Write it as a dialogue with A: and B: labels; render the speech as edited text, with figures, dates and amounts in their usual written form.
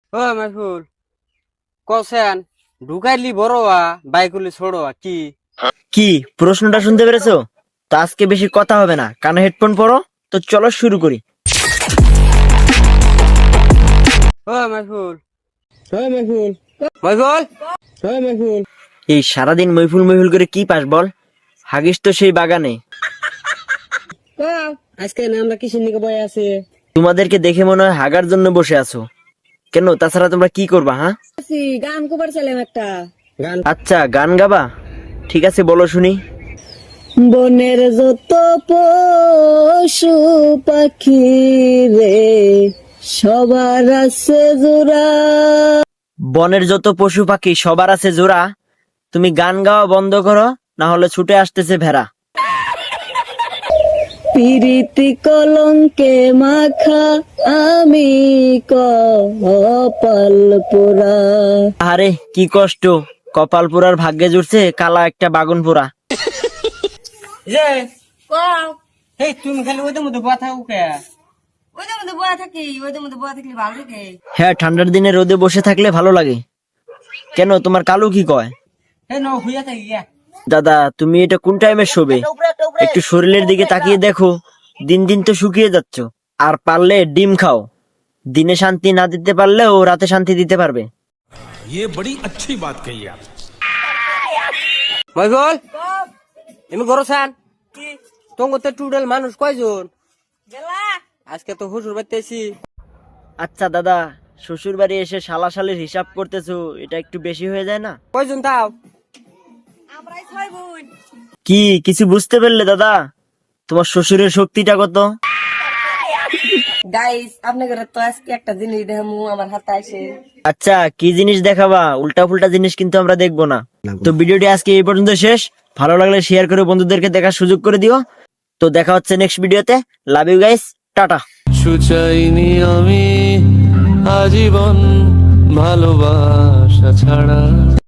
A: ও মাইফুল cosine ঢুকাইলি বড়োয়া বাইকুলি ছোড়োয়া কি
B: কি প্রশ্নটা শুনতে পেরেছো? তো আজকে বেশি কথা হবে না, কানে হেডফোন পরো। তো চলো শুরু করি।
A: ও মাইফুল মাইফুল মাইফুল মাইফুল
B: এই সারাদিন মইফুল মইফুল করে কি পাস বল? হাগিস তো সেই বাগানে।
A: আজকে না আমরা কিসের নিকে বয়ে আছি
B: তোমাদেরকে দেখে মনে হয় হাগার জন্য বসে আছো। কেন, তাছাড়া তোমরা কি করবা? হ্যাঁ,
A: গান কবার ছিলাম একটা গান
B: আচ্ছা গান গাবা, ঠিক আছে বলো শুনি।
A: বনের যত পশু পাখি রে সবার আছে জোড়া
B: বনের যত পশু পাখি সবার আছে জোড়া। তুমি গান গাওয়া বন্ধ করো, না হলে ছুটে আসতেছে ভেড়া।
A: পিরিতি কলঙ্কে মাখা আমি কপাল পোড়া
B: আরে কি কষ্ট, কপাল পোড়ার ভাগ্যে জুড়ছে কালা একটা বাগুন পোড়া।
A: এই তুমি খালি ওদের মধ্যে বয়া থাকো কে
C: ওদের মধ্যে বয়া থাকি, ওদের মধ্যে বয়া থাকলে ভালো থাকে।
B: হ্যাঁ, ঠান্ডার দিনে রোদে বসে থাকলে ভালো লাগে। কেন, তোমার কালু কি কয়?
A: এই নাও হইয়া থাকি গিয়া
B: দাদা তুমি এটা কোন টাইমে শোবে? একটু শরীরের দিকে তাকিয়ে দেখো, দিন দিন তো শুকিয়ে যাচ্ছ। আর পারলে ডিম খাও, দিনে শান্তি না দিতে পারলেও রাতে শান্তি দিতে পারবে।
D: ये बड़ी अच्छी बात कही आप।
A: মাইফুল এমনি গরসান তোমার টুডেল মানুষ কয়জন
C: গেলা
A: আজকে তো হুজুর বাইতেছি
B: আচ্ছা দাদা, শ্বশুর বাড়ি এসে শালা শালির হিসাব করতেছো, এটা একটু বেশি হয়ে যায় না?
A: কয়জন তাও
C: আমরাই ছয় বোন।
B: কি কিছু বুঝতে পারলে দাদা? তোমার শ্বশুরের শক্তিটা কত?
C: গাইস আপনাদের তো আজকে একটা জিনিস দেখামু আমার হাতে আসে।
B: আচ্ছা কি জিনিস দেখাবা? উল্টা ফুল্টা জিনিস কিন্তু আমরা দেখবো না। তো ভিডিওটি আজকে এই পর্যন্ত শেষ। ভালো লাগলে শেয়ার করে বন্ধুদেরকে দেখার সুযোগ করে দিও। তো দেখা হচ্ছে নেক্সট ভিডিওতে। Love you guys, tata.
E: চাইনি আমি আজীবন ভালোবাসা ছাড়া।